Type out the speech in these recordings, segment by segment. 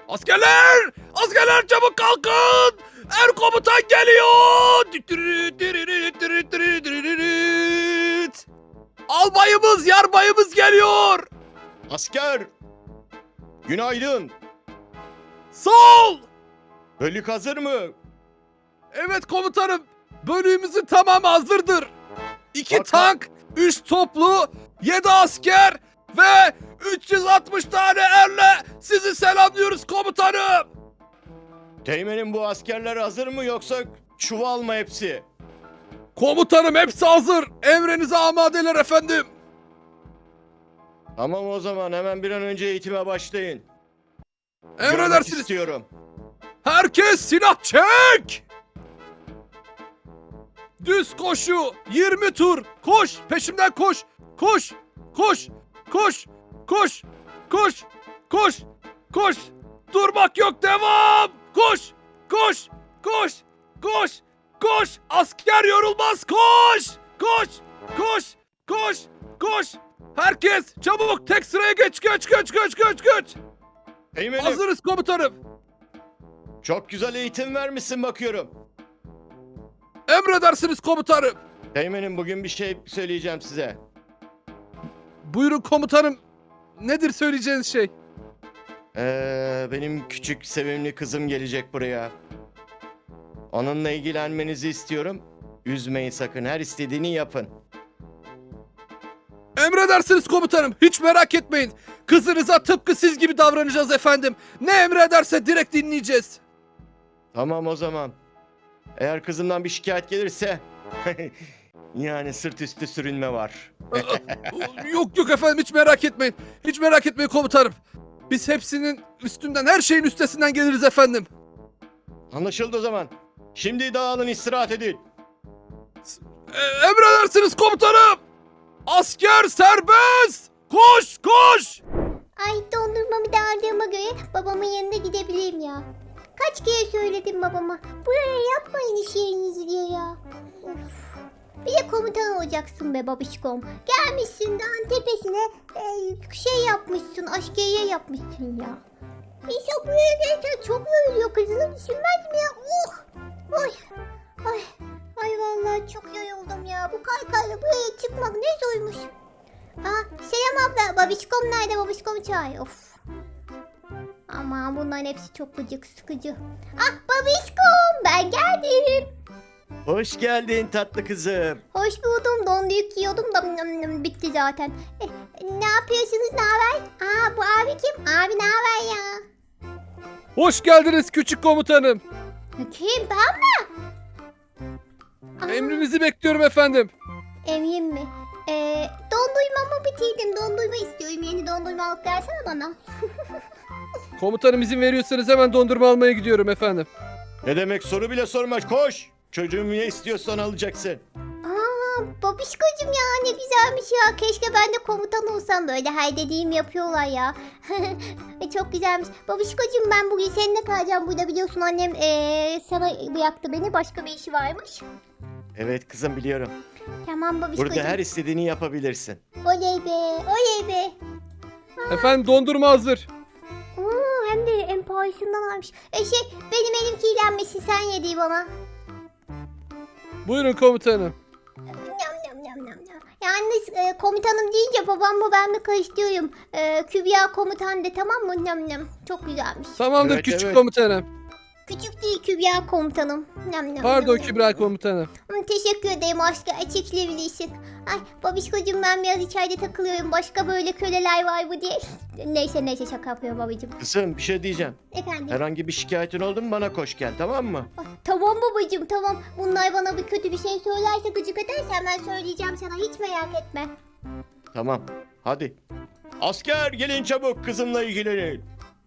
Askerler! Askerler çabuk kalkın! Er komutan geliyor! Albayımız, yarbayımız geliyor! Asker! Günaydın. Sol! Bölük hazır mı? Evet komutanım. Bölüğümüzün tamamı hazırdır. 2 Bak- tank, 3 toplu, 7 asker ve 360 tane erle sizi selamlıyoruz komutanım. Teğmenim, bu askerler hazır mı yoksa çuval mı hepsi? Komutanım hepsi hazır. Emrinize amadeler efendim. Tamam, o zaman hemen bir an önce eğitime başlayın. Görmek Emredersiniz. istiyorum. Herkes silah çek. Düz koşu 20 tur. Koş peşimden koş. Koş. Koş. Koş. Koş. Koş. Koş. Koş. Durmak yok, devam. Koş. Koş. Koş. Koş. Koş. Asker yorulmaz. Koş. Koş. Koş. Koş. Koş. Herkes çabuk tek sıraya geç. Geç. Teğmenim, Hazırız komutanım. çok güzel eğitim vermişsin bakıyorum. Emredersiniz komutanım. Teğmenim, bugün bir şey söyleyeceğim size. Buyurun komutanım. Nedir söyleyeceğiniz şey? Benim küçük sevimli kızım gelecek buraya. Onunla ilgilenmenizi istiyorum. Üzmeyin sakın, her istediğini yapın. Emredersiniz komutanım. Hiç merak etmeyin. Kızınıza tıpkı siz gibi davranacağız efendim. Ne emrederse direkt dinleyeceğiz. Tamam o zaman. Eğer kızımdan bir şikayet gelirse yani sırt üstü sürünme var. Yok efendim, hiç merak etmeyin. Hiç merak etmeyin komutanım. Biz hepsinin üstünden, her şeyin üstesinden geliriz efendim. Anlaşıldı o zaman. Şimdi dağılın, istirahat edin. Emredersiniz komutanım. Asker serbest. Koş. Ay, dondurmamı da aldığıma göre babamın yanına gidebileyim ya. Kaç kere söyledim babama. Buraya yapmayın iş yerinizi diye ya. Of. Bir de komutan olacaksın be babişkom. Gelmişsin dağın tepesine şey yapmışsın, askeriye yapmışsın ya. İnsan buraya gelirken çok yoruluyor, kızını düşünmez mi ya? Oy. Ay. Ay vallahi çok yoruldum ya. Bu kaykayla buraya çıkmak ne zormuş. Selam abla. Babişkom nerede? Babişkom çağır. Of. Aman bunların hepsi çok gıcık, sıkıcı. Babişkom, ben geldim. Hoş geldin tatlı kızım. Hoş buldum. Donduruk yiyordum da bitti zaten. Ne yapıyorsunuz? Ne haber? Bu abi kim? Abi ne haber ya? Hoş geldiniz küçük komutanım. Kim? Ben mi? Emrinizi bekliyorum efendim. Emrin mi? Dondurmamı bitirdim. Dondurma istiyorum. Yeni dondurma alıp versene bana. Komutanım izin veriyorsanız hemen dondurma almaya gidiyorum efendim. Ne demek, soru bile sorma, koş. Çocuğum ne istiyorsan alacaksın. Babişkocuğum ya, ne güzelmiş ya. Keşke ben de komutan olsam, böyle her dediğim yapıyorlar ya. Çok güzelmiş. Babişkocuğum, ben bugün seninle kalacağım burada, biliyorsun annem sana bıraktı beni, başka bir işi varmış. Evet kızım, biliyorum. Tamam babişkocuğum. Burada her istediğini yapabilirsin. Oley be. Efendim dondurma hazır. Hem de en pahalısından almış. Benim elim kirlenmesin, sen yediği bana. Buyurun komutanım. Nam. Yalnız komutanım deyince babamla ben mi karıştırıyorum. Kübra komutan de, tamam mı? Nam. Çok güzelmiş. Tamamdır Evet, küçük evet. komutanım. Küçük değil Kübra komutanım. Nam. Pardon Kübra komutanım. Teşekkür ederim aşkı. Çekilebilirsin. Ay babişkocuğum, ben biraz içeride takılıyorum. Başka böyle köleler var mı diye. Neyse şaka yapıyorum babacığım. Kızım, bir şey diyeceğim. Efendim. Herhangi bir şikayetin oldu mu bana koş gel, tamam mı? Tamam babacığım, tamam. Bunlar bana bir kötü bir şey söylerse, gıcık edersen ben söyleyeceğim sana. Hiç merak etme. Tamam, hadi. Asker gelin çabuk, kızımla ilgilenin.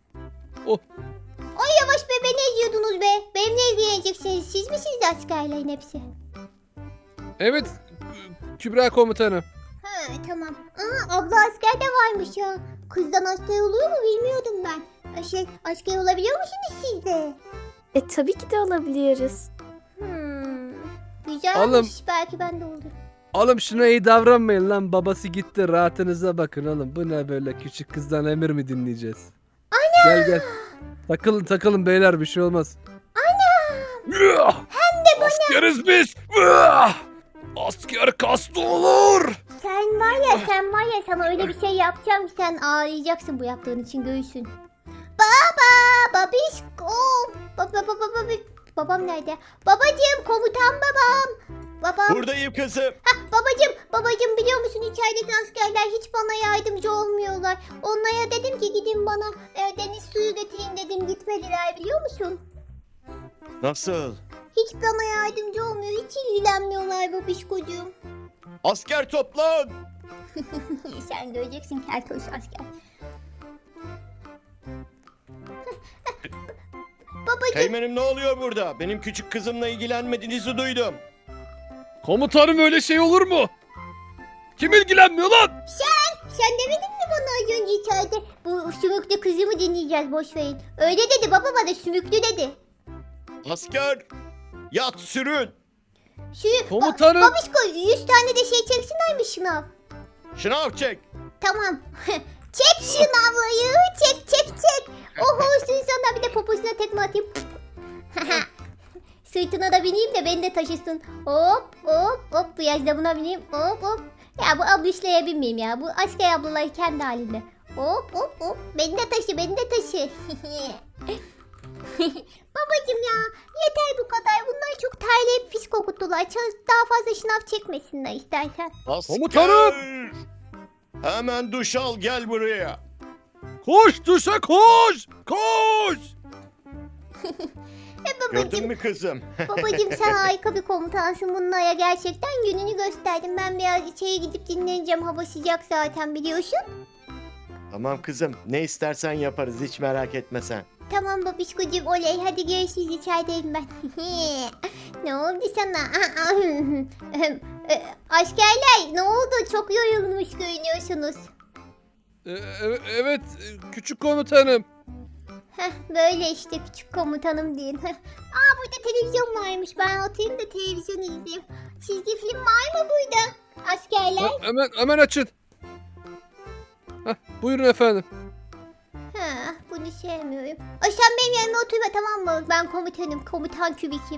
Ay yavaş be, beni eziyordunuz be. Benimle ilgileneceksiniz. Siz misiniz askerlerin hepsi? Evet Kübra komutanım. Tamam. Abla asker de varmış ya. Kızdan asker oluyor mu bilmiyordum ben. Asker olabiliyor musunuz siz de? Tabii ki de alabiliyoruz. Güzelmiş. Oğlum. Belki ben de olurum. Oğlum şuna iyi davranmayın lan, babası gitti, rahatınıza bakın oğlum. Bu ne böyle, küçük kızdan emir mi dinleyeceğiz? Ana Gel gel. Takılın takılın beyler, bir şey olmaz. Ana. Hem de bana. Askeriz biz. Asker kaslı olur. Sen var ya sana öyle bir şey yapacağım ki sen ağlayacaksın bu yaptığın için göğsün. Babişko. Babam nerede? Babacığım, komutan babam. Babam. Buradayım kızım. Babacığım biliyor musun içerideki askerler hiç bana yardımcı olmuyorlar. Onlara dedim ki gidin bana deniz suyu getirin dedim, gitmediler biliyor musun? Nasıl? Hiç bana yardımcı olmuyor, hiç ilgilenmiyorlar babişkocuğum. Asker toplan. Sen göreceksin keltoş asker. Babacığım. Teğmenim ne oluyor burada? Benim küçük kızımla ilgilenmediğinizi duydum. Komutanım öyle şey olur mu? Kim ilgilenmiyor lan? Sen demedin mi bana az önce içeride bu sümüklü kızımı dinleyeceğiz, boş verin. Öyle dedi baba, bana sümüklü dedi. Asker yat sürün. Komutanım. Babişko 100 tane de şey çeksinler mi şınav? Şınav çek. Tamam. Çek şınavlayı, çek. Oh olsun sana, bir de poposuna tekme atayım. Sırtına da bineyim de beni de taşısın. Hop biraz da buna bineyim. Hop. Ya bu ablişlere binmeyeyim ya. Bu asker ablalar kendi halinde. Hop. Beni de taşı. Babacım ya, yeter bu kadar. Bunlar çok terleyip pis kokuttular. Daha fazla şınav çekmesinler istersen. Asker. Komutanım. Hemen duş al, gel buraya. Koş duşa koş. Gördün mü kızım? Babacım sen harika bir komutansın. Bunlara gerçekten gününü gösterdim. Ben biraz içeri gidip dinleneceğim. Hava sıcak zaten biliyorsun. Tamam kızım, ne istersen yaparız, hiç merak etme sen. Tamam babişkocuğum, oley. Hadi görüşürüz, içerideyim ben. Ne oldu sana? Askerler ne oldu? Çok yorulmuş görünüyorsunuz. Evet küçük komutanım. Böyle işte küçük komutanım deyin. Burada televizyon varmış. Ben oturayım da televizyon izleyeyim. Çizgi film var mı burada? Askerler. Hemen açın. Buyurun efendim. Bunu sevmiyorum. Sen benim yanıma oturma, tamam mı? Ben komutanım. Komutan kübikim.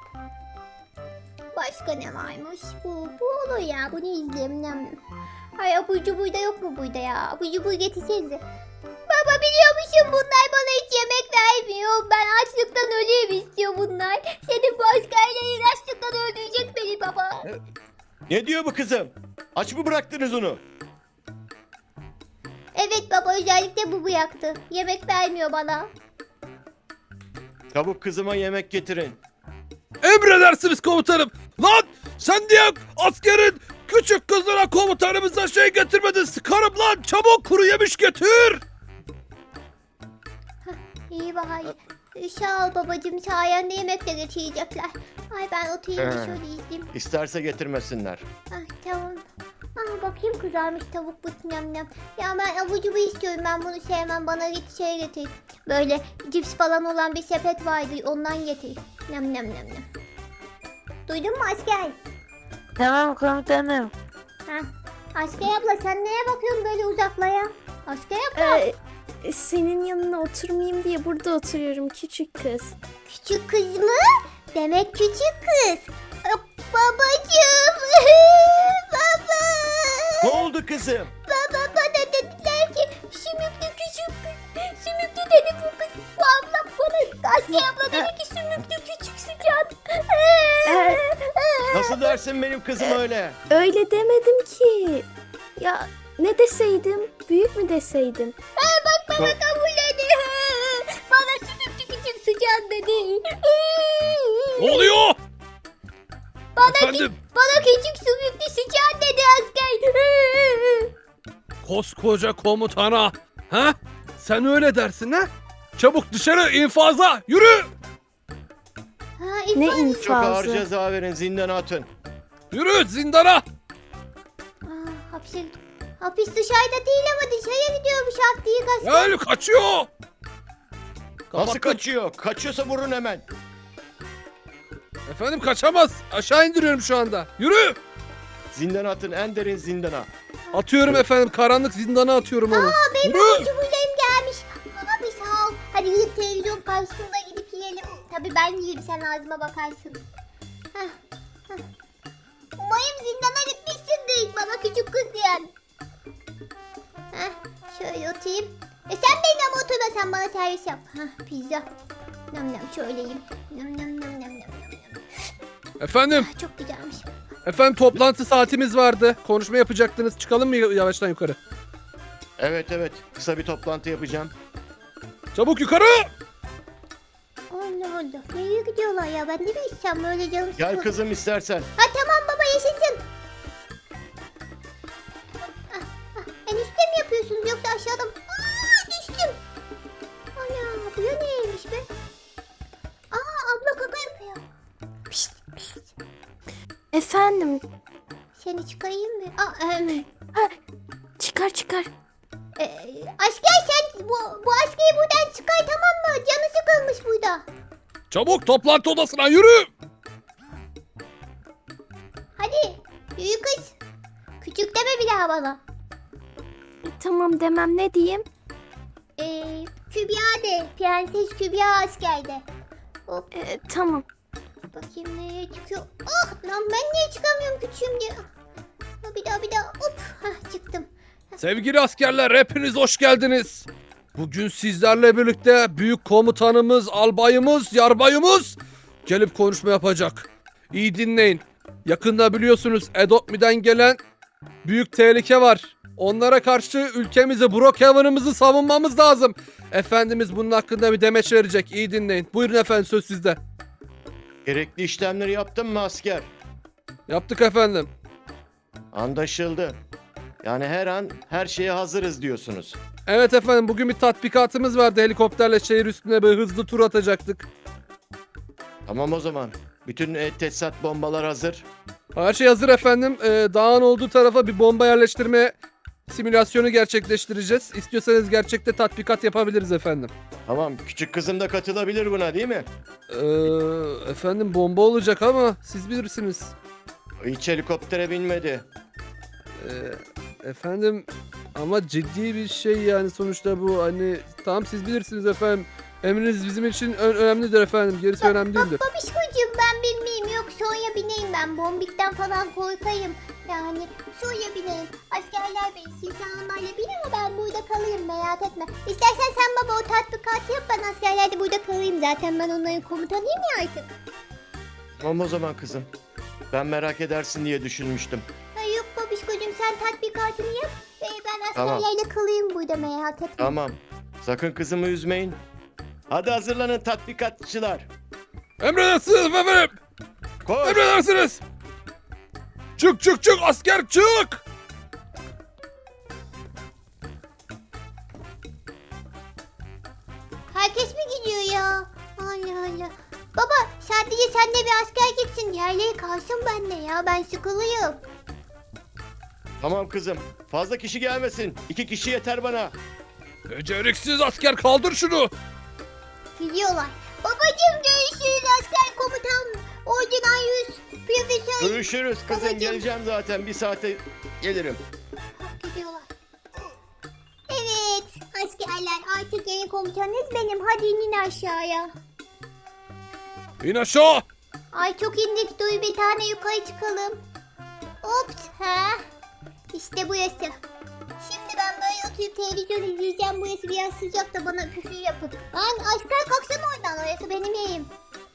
Başka ne varmış? Bu olur ya. Bunu izleyeyim. Ay abur cubur da yok mu burada ya? Abur cubur getirsenize. Baba biliyor musun, bunlar bana hiç yemek vermiyor. Ben açlıktan öleyim istiyor bunlar. Senin bu askerlerin açlıktan öldürecek beni baba. Ne diyor bu kızım? Aç mı bıraktınız onu? Evet baba, özellikle bu yaktı. Yemek vermiyor bana. Çabuk kızıma yemek getirin. Emredersiniz komutanım. Lan sen diye askerin küçük kızlara komutanımıza şey getirmedin. Sıkarım lan, çabuk kuru yemiş getir. İyi bari. Sağ ol babacığım, sayende yemek de getirecekler. Ay ben oturayım da şöyle izleyeyim. İsterse getirmesinler. Tamam. Bakayım, kızarmış tavuk bu nem. Ya ben abur cubur istiyorum, ben bunu sevmem. Bana git şey getir. Böyle cips falan olan bir sepet vardı, ondan getir. Nem. Duydun mu asker? Tamam komutanım. Asker abla, sen neye bakıyorsun böyle uzaklaya? Asker abla. Senin yanına oturmayayım diye burada oturuyorum küçük kız. Küçük kız mı? Demek küçük kız. Babacığım. Baba. Ne oldu kızım? Bana dediler ki sümüklü küçük kız. Sümüklü dedi bu kız. Bu ablam bana. Asya abla dedi ki sümüklü küçük sıcak. Nasıl dersin benim kızım öyle? Öyle demedim ki. Ya ne deseydim? Büyük mü deseydim? Bak bana kabulledi. Bana sümüklü küçük sıcak dedi. Ne oluyor? Efendim? Bana küçük sümüklü sıcak dedi asker. Koskoca komutana. Sen öyle dersin ha? Çabuk dışarı, infaza yürü. Ne Çok ağır infazı? ceza verin, zindana atın. Yürü zindana. Hapis dışarıda değil ama dışarıya gidiyormuş Abdi'yi asker. Gel, kaçıyor. Nasıl Kapattım. kaçıyor? Kaçıyorsa vurun hemen. Efendim kaçamaz. Aşağı indiriyorum şu anda. Yürü. Zindana atın, en derin zindana. Atıyorum efendim, karanlık zindana atıyorum onu. Benim Yürü. abur cuburlarım gelmiş. Abi sağ karşısında gidip yiyelim. Tabii ben yiyeyim, sen ağzıma bakarsın. Heh, heh. Umarım zindana gitmişsindir bana küçük kız diyen. Heh, şöyle oturayım. Sen benim ama oturma, sen bana servis yap. Heh, pizza. Nam nam şöyle yiyeyim. Nam nam nam nam nam nam. Efendim, Ah, çok güzelmiş. efendim toplantı saatimiz vardı. Konuşma yapacaktınız. Çıkalım mı yavaştan yukarı? Evet evet, kısa bir toplantı yapacağım. Çabuk yukarı! Allah Allah. Nereye gidiyorlar ya? Ben de mi içsem böyle canım Gel sıkıldı. kızım istersen. Ha tamam baba, yaşasın. Enişte mi yapıyorsunuz yoksa aşağıda mı? Düştüm. Ana bu ya neymiş be? Abla kaka yapıyor. Pişt pişt. Efendim. Seni çıkarayım mı? Çıkar çıkar. Asker sen bu askeri buradan çıkar, tamam mı? Canı sıkılmış burada. Çabuk toplantı odasına yürü! Hadi yürü kız. Küçük deme bir daha bana. Tamam demem, ne diyeyim? Kübra de. Prenses Kübra askerde. Hop Tamam. bakayım nereye çıkıyor. Lan ben niye çıkamıyorum küçüğüm diye. Bir daha hop. Çıktım. Sevgili askerler, hepiniz hoş geldiniz. Bugün sizlerle birlikte büyük komutanımız, albayımız, yarbayımız gelip konuşma yapacak. İyi dinleyin. Yakında biliyorsunuz Edopmi'den gelen büyük tehlike var. Onlara karşı ülkemizi, Brookhaven'ımızı savunmamız lazım. Efendimiz bunun hakkında bir demeç verecek. İyi dinleyin. Buyurun efendim, söz sizde. Gerekli işlemleri yaptın mı asker? Yaptık efendim. Anlaşıldı. Yani her an her şeye hazırız diyorsunuz. Evet efendim, bugün bir tatbikatımız vardı. Helikopterle şehir üstüne bir hızlı tur atacaktık. Tamam o zaman. Bütün tesisat bombalar hazır. Her şey hazır efendim. Dağın olduğu tarafa bir bomba yerleştirme simülasyonu gerçekleştireceğiz. İstiyorsanız gerçekte tatbikat yapabiliriz efendim. Tamam, küçük kızım da katılabilir buna değil mi? Efendim bomba olacak ama siz bilirsiniz. Hiç helikoptere binmedi. Efendim ama ciddi bir şey yani sonuçta bu, hani tamam siz bilirsiniz efendim. Emriniz bizim için önemlidir efendim. Gerisi önemli değildir. Babişkocuğum ben bilmeyeyim, yok sonra bineyim ben. Bombikten falan korkayım. Yani sonra bineyim. Askerler binsin, sen onlarla bin ama ben burada kalayım, merak etme. İstersen sen baba o tatbikatı yap, ben askerlerde burada kalayım. Zaten ben onların komutanıyım ya artık. Tamam o zaman kızım. Ben merak edersin diye düşünmüştüm. Yok babişkocuğum, sen tatbikatını yap. Ben Tamam. askerlerle kalayım burada, merak etme. Tamam. Sakın kızımı üzmeyin. Hadi hazırlanın tatbikatçılar. Emredersiniz efendim. Koş. Emredersiniz. Çık asker çık. Herkes mi gidiyor ya? Allah Allah. Baba sadece sen de bir asker gitsin. Diğerleri kalsın bende ya. Ben sıkılıyım. Tamam kızım. Fazla kişi gelmesin. 2 kişi yeter bana. Beceriksiz asker, kaldır şunu. Gidiyorlar. Babacım görüşürüz asker komutan. Ordudan 100. Profesör. Görüşürüz kızım. Babacığım. Geleceğim zaten. 1 saate gelirim. Gidiyorlar. Evet askerler, artık yeni komutanınız benim. Hadi inin aşağıya. İn aşağı. Ay çok indik, dur bir tane yukarı çıkalım. Ops İşte burası. Şimdi ben böyle oturup televizyon izleyeceğim. Burası biraz sıcak da bana küfür yapın. Lan asker kalksana oradan, orası benim yerim.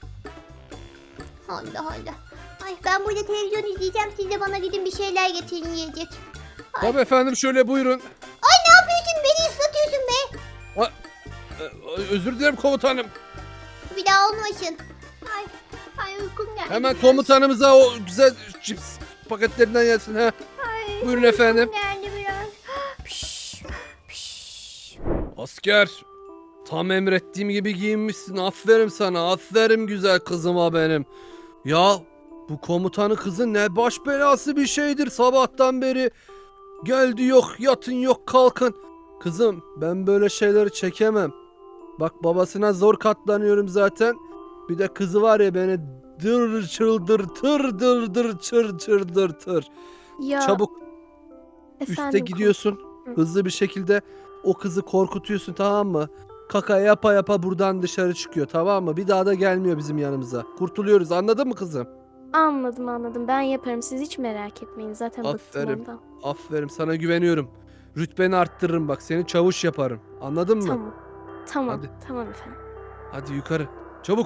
Allah Allah. Ay ben burada televizyon izleyeceğim, siz de bana gidin bir şeyler getirin yiyecek. Ay. Tabii efendim, şöyle buyurun. Ay ne yapıyorsun, beni ıslatıyorsun be. Özür dilerim komutanım. Bir daha olmasın. Ay uykum geldi. Hemen biraz. komutanımıza o güzel cips paketlerinden gelsin ha. Ay, Buyurun efendim. uykum geldi biraz. Piş, piş. Asker, tam emrettiğim gibi giyinmişsin. Aferin sana. Aferin güzel kızıma benim. Ya bu komutanın kızı ne baş belası bir şeydir sabahtan beri. Geldi yok, yatın yok, kalkın. Kızım ben böyle şeyleri çekemem. Bak babasına zor katlanıyorum zaten. Bir de kızı var ya, beni çıldırtır çıldırtır. Ya Çabuk üste efendim, gidiyorsun. Hızlı bir şekilde o kızı korkutuyorsun, tamam mı? kaka yapa yapa buradan dışarı çıkıyor, tamam mı? Bir daha da gelmiyor bizim yanımıza. Kurtuluyoruz, anladın mı kızım? Anladım. Ben yaparım. Siz hiç merak etmeyin. Zaten bıktım Aferin. ondan. Aferin, sana güveniyorum. Rütbeni arttırırım bak, seni çavuş yaparım. Anladın mı? Tamam. Hadi. Tamam efendim. Hadi yukarı. Çabuk.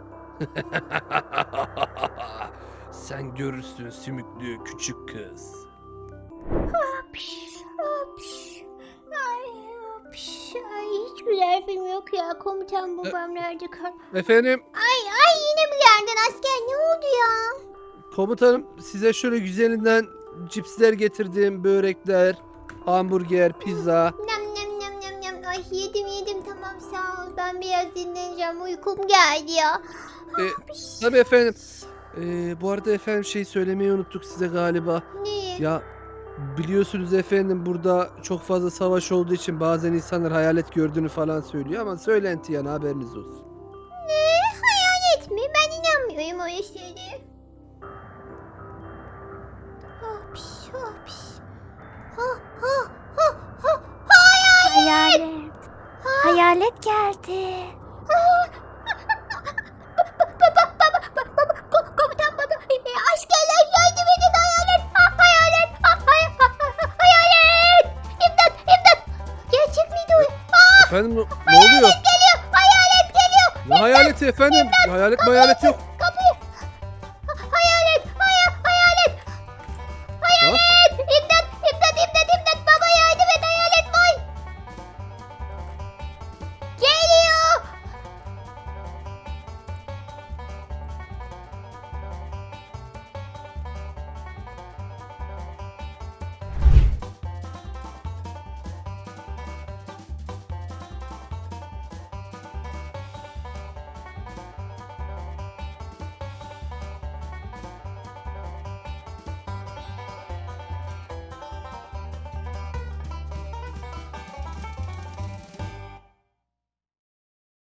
Sen görürsün sümüklü küçük kız. Hapş, hapş. Ay, hiç güzel film yok ya. Komutan babam nerede kal? Efendim, Ay yine mi geldin asker? Ne oldu ya? komutanım, size şöyle güzelinden cipsler getirdim, börekler, hamburger, pizza. Nem. Ay yedim tamam sağ ol. Ben biraz dinleneceğim. Uykum geldi ya. Tabii efendim. Bu arada efendim şey söylemeyi unuttuk size galiba. Ne? Ya biliyorsunuz efendim, burada çok fazla savaş olduğu için bazen insanlar hayalet gördüğünü falan söylüyor ama söylenti, yani haberiniz olsun. Ne? Hayalet mi? Ben inanmıyorum öyle şeylere. Hapş hapş. Ha. Hayalet. Hayalet geldi. Komutan baba. Askerler yardım edin hayalet. Hayalet. İmdat. Gerçek miydi o? Efendim ne oluyor? Hayalet geliyor. Ne hayaleti efendim? Hayalet yok.